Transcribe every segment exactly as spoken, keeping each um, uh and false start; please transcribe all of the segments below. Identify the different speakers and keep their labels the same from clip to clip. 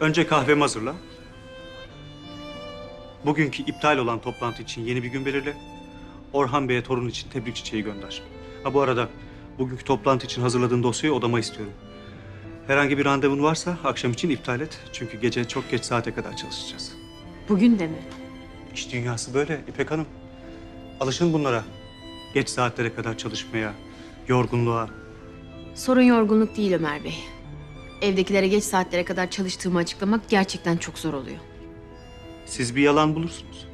Speaker 1: Önce kahvemi hazırla. Bugünkü iptal olan toplantı için yeni bir gün belirle. Orhan Bey'e torun için tebrik çiçeği gönder. Ha bu arada bugünkü toplantı için hazırladığın dosyayı odama istiyorum. Herhangi bir randevun varsa akşam için iptal et. Çünkü gece çok geç saate kadar çalışacağız.
Speaker 2: Bugün de mi?
Speaker 1: İş dünyası böyle İpek Hanım. Alışın bunlara. Geç saatlere kadar çalışmaya, yorgunluğa.
Speaker 2: Sorun yorgunluk değil Ömer Bey. Evdekilere geç saatlere kadar çalıştığımı açıklamak gerçekten çok zor oluyor.
Speaker 1: Siz bir yalan bulursunuz.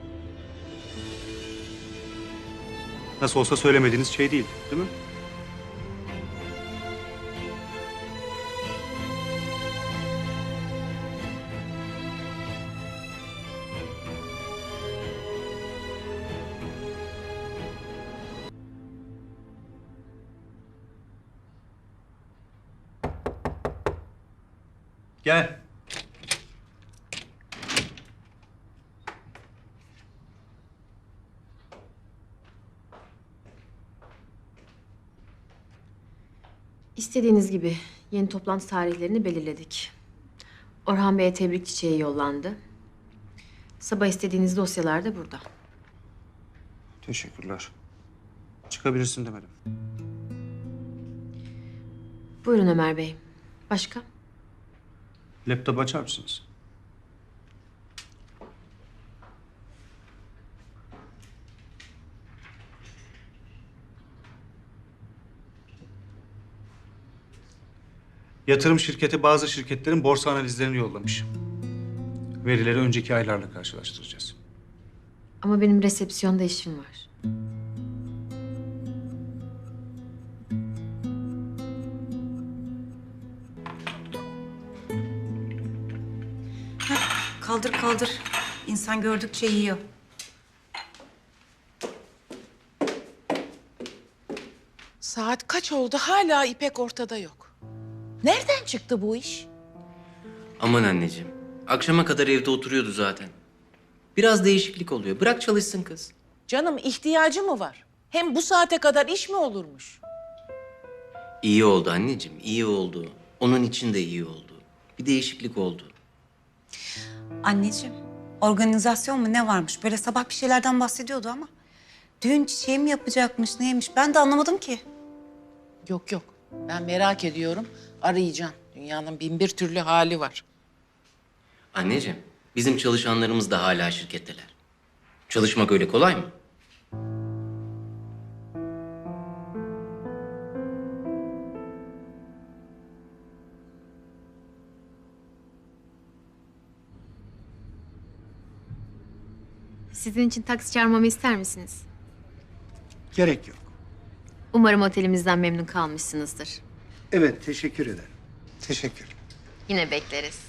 Speaker 1: Nasıl olsa söylemediğiniz şey değil, değil mi? Gel.
Speaker 2: İstediğiniz gibi yeni toplantı tarihlerini belirledik. Orhan Bey'e tebrik çiçeği yollandı. Sabah istediğiniz dosyalar da burada.
Speaker 1: Teşekkürler. Çıkabilirsin demedim.
Speaker 2: Buyurun Ömer Bey. Başka?
Speaker 1: Laptop açar mısınız? Yatırım şirketi bazı şirketlerin borsa analizlerini yollamış. Verileri önceki aylarla karşılaştıracağız.
Speaker 2: Ama benim resepsiyonda işim var.
Speaker 3: Kaldır kaldır. İnsan gördükçe yiyor.
Speaker 4: Saat kaç oldu hala İpek ortada yok. Nereden çıktı bu iş?
Speaker 5: Aman anneciğim. Akşama kadar evde oturuyordu zaten. Biraz değişiklik oluyor. Bırak çalışsın kız.
Speaker 4: Canım ihtiyacı mı var? Hem bu saate kadar iş mi olurmuş?
Speaker 5: İyi oldu anneciğim, iyi oldu. Onun için de iyi oldu. Bir değişiklik oldu.
Speaker 3: Anneciğim, organizasyon mu ne varmış? Böyle sabah bir şeylerden bahsediyordu ama. Düğün çiçeği mi yapacakmış, neymiş? Ben de anlamadım ki.
Speaker 4: Yok yok. Ben merak ediyorum. Arayacağım. Dünyanın bin bir türlü hali var.
Speaker 5: Anneciğim, bizim çalışanlarımız da hala şirketteler. Çalışmak öyle kolay mı?
Speaker 2: Sizin için taksi çağırmamı ister misiniz?
Speaker 6: Gerek yok.
Speaker 2: Umarım otelimizden memnun kalmışsınızdır.
Speaker 6: Evet, teşekkür ederim. Teşekkür.
Speaker 2: Yine bekleriz.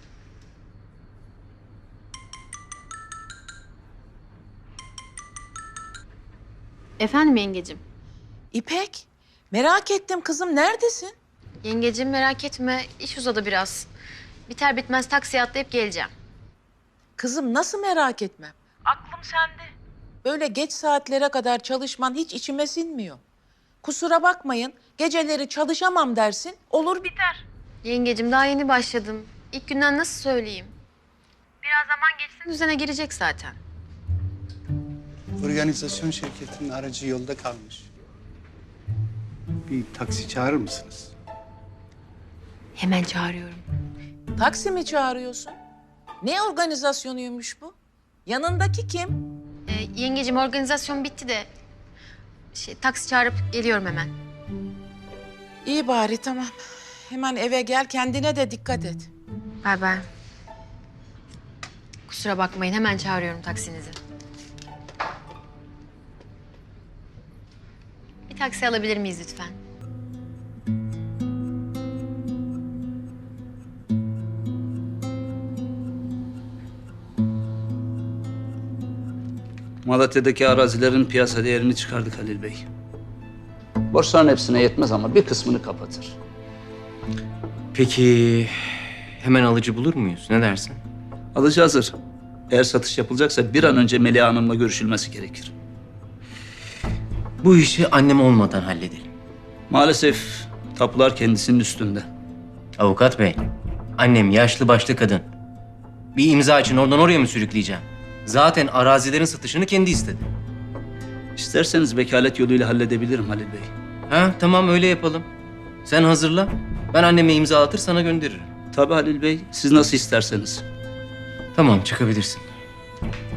Speaker 2: Efendim yengecim.
Speaker 4: İpek, merak ettim kızım. Neredesin?
Speaker 2: Yengecim merak etme, iş uzadı biraz. Biter bitmez taksiye atlayıp geleceğim.
Speaker 4: Kızım nasıl merak etmem? Aklım sende. Böyle geç saatlere kadar çalışman hiç içime sinmiyor. Kusura bakmayın, geceleri çalışamam dersin, olur biter.
Speaker 2: Yengecim daha yeni başladım. İlk günden nasıl söyleyeyim? Biraz zaman geçsin düzene girecek zaten.
Speaker 6: Organizasyon şirketinin aracı yolda kalmış. Bir taksi çağırır mısınız?
Speaker 2: Hemen çağırıyorum.
Speaker 4: Taksi mi çağırıyorsun? Ne organizasyonuymuş bu? Yanındaki kim?
Speaker 2: Ee, yengecim organizasyon bitti de... Şey, taksi çağırıp geliyorum hemen.
Speaker 4: İyi bari tamam. Hemen eve gel, kendine de dikkat et.
Speaker 2: Bay bay. Kusura bakmayın hemen çağırıyorum taksinizi. Bir taksi alabilir miyiz lütfen?
Speaker 7: Malatya'daki arazilerin piyasa değerini çıkardık Halil Bey. Borçların hepsine yetmez ama bir kısmını kapatır.
Speaker 5: Peki hemen alıcı bulur muyuz? Ne dersin?
Speaker 7: Alıcı hazır. Eğer satış yapılacaksa bir an önce Meliha Hanım'la görüşülmesi gerekir.
Speaker 5: Bu işi annem olmadan halledelim.
Speaker 7: Maalesef tapular kendisinin üstünde.
Speaker 5: Avukat bey, Annem yaşlı başlı kadın. Bir imza için oradan oraya mı sürükleyeceğim? Zaten arazilerin satışını kendi istedi.
Speaker 7: İsterseniz vekalet yoluyla halledebilirim Halil Bey.
Speaker 5: Ha tamam öyle yapalım. Sen hazırla. Ben anneme imzalatır sana gönderirim.
Speaker 7: Tabii Halil Bey, siz nasıl isterseniz.
Speaker 5: Tamam çıkabilirsin.